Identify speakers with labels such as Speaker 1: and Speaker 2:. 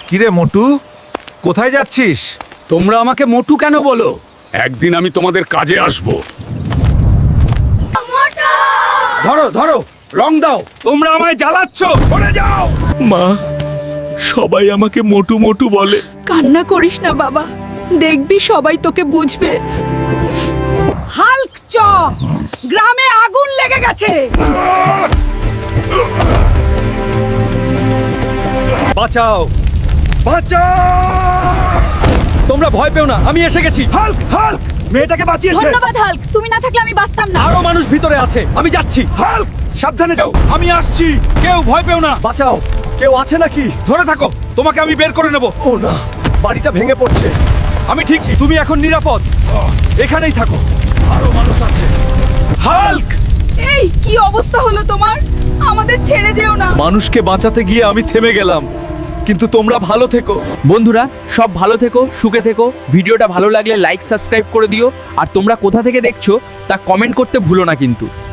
Speaker 1: কিরে মোটু, কোথায় যাচ্ছিস?
Speaker 2: তোমরা আমাকে মোটু কেন বলো?
Speaker 3: একদিন আমি তোমাদের কাজে আসব।
Speaker 1: ধরো ধরো, রং দাও।
Speaker 2: তোমরা আমায় জ্বালাচ্ছ, সরে যাও।
Speaker 3: মা, সবাই আমাকে মোটু মোটু বলে।
Speaker 4: কান্না করিস না বাবা, দেখবি সবাই তোকে বুঝবে। হাল্ক চ, গ্রামে আগুন লেগে গেছে।
Speaker 2: বাঁচাও, তোমরা ভয় পেও না, আমি এসে গেছি। হাল্ক, হাল্ক মেয়েটাকে বাঁচিয়েছে।
Speaker 4: ধন্যবাদ হাল্ক, তুমি না থাকলে আমি বাঁচতাম না।
Speaker 2: আরো মানুষ ভিতরে আছে, আমি যাচ্ছি। হাল্ক, সাবধানে যাও, আমি আসছি। কেউ ভয় পেও না।
Speaker 5: বাঁচাও, কেউ আছে নাকি?
Speaker 2: ধরে থাকো, তোমাকে আমি বের করে নেব।
Speaker 5: ও না, বাড়িটা ভেঙে পড়ছে।
Speaker 2: আমি ঠিক, তুমি এখন নিরাপদ, এখানেই থাকো। আরো মানুষ আছে। হাল্ক,
Speaker 4: এই কি অবস্থা হলো তোমার? আমাদের ছেড়ে যেও না।
Speaker 2: মানুষকে বাঁচাতে গিয়ে আমি থেমে গেলাম, কিন্তু তোমরা ভালো থেকো।
Speaker 6: বন্ধুরা সব ভালো থেকো, সুখে থেকো। ভিডিওটা ভালো লাগলে লাইক সাবস্ক্রাইব করে দিও। আর তোমরা কোথা থেকে দেখছো তা কমেন্ট করতে ভুলো না কিন্তু।